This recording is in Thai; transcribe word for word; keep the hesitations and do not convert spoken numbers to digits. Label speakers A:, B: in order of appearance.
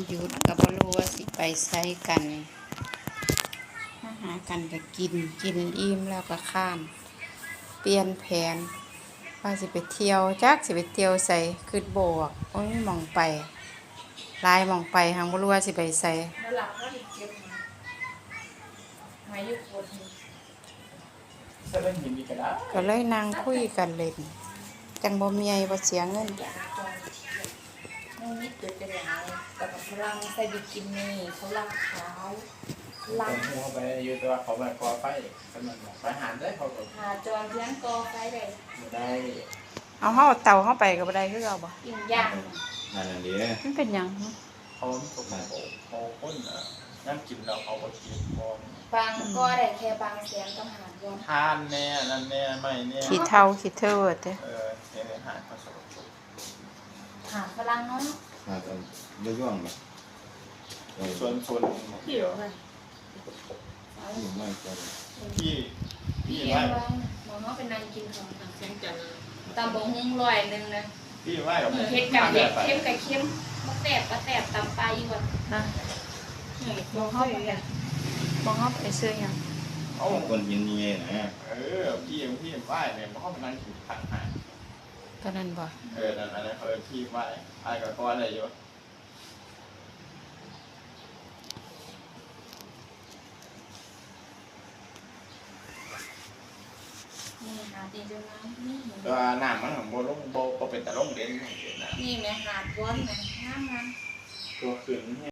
A: หยุดก็บ่รู้ว่าสิไปไสกันมาหากันก็กินกินอิ่มแล้วก็ข้าม เปลี่ยนแผนว่าสิไปเที่ยวจักสิไปเที่ยวไสคิดบ่ออกโอ้ยหม้องไปหลายหม้องไปหั้งบ่รู้ว่าสิไปไส
B: แล้วหลับก็ดิเก็บมามาอยู่ปวดนี่
C: จะเล่นยินดีก็ได้
A: ก็เลยนั่งคุยกันเล่นจังบ่มีไอ้บ่เสียเงิน
B: อยากจองเที่ยวไม่นิดเดียวจะหลายแต่กับพลังใส่บิกินี่เขาลังขาวลั
C: ผ
B: ง
C: มหัวไปอยู่ตัวเขาแบบกอไฟกำลังไปหารได้เขาก็
B: หาจองเพียงกอไฟได้
C: ไม่ได้
A: เอาเฮาเอาเต่าเฮาไปก็บ่ได้คือเอาบ่
B: กินย่าง
D: นั่นน่ะเด้อ
A: มันเป็นหยัง
C: เขาตกมาโอ้เขาพ้นอ่ะน้ำกินเราเขาก็กินพอบ
B: างก็ได้แค่บางแสนก็หารวม
C: ทานแน่นั่นแน่ไม่แน่
A: ขี้เท่าขี้เทิดเด้
C: เออเห็นอาหารเขาสกปรก
B: หาพลังเนาะ
D: มาตอนย่องๆแบบเออ
C: ส่วนส่วน
B: พี่หรอค่ะ
D: อยู่ไม่ก็
C: พี่พี่
B: พี่
C: ไห
B: เอ็
C: ว้
B: มว่ามองว่าเป็นนางกินของทางเชียงจันทร์ตำบงหุ้งลอยหนึ่งนะ
C: พี่ไหว้กับ
B: เฮ็ดกับเด็กเข้มกับเข้มมะแตบมะแตบตำปลาอีกวัน
A: นะบ่เฮาไปบ่เฮาไปซื้อหยัง
C: เอา
D: คนยินดีนะ
C: เออพี่พี่ไหว้เนี่ยเขาเป็นนั่งกินขันหาย
A: ก็นั่นบ่
C: เออนั่นอันนั้นเขาเป็นพี่ไหว้ไอ้กับก้อนอะไรอยู่
B: นี่หาตีจนน้ำนี่
C: ตัวน้ำมันของโบลงโบเป็นแต่ลงเด่นของเด่นนะ
B: นี่แม่หาดว้อนนะงามงาม
C: ตัวขึ้น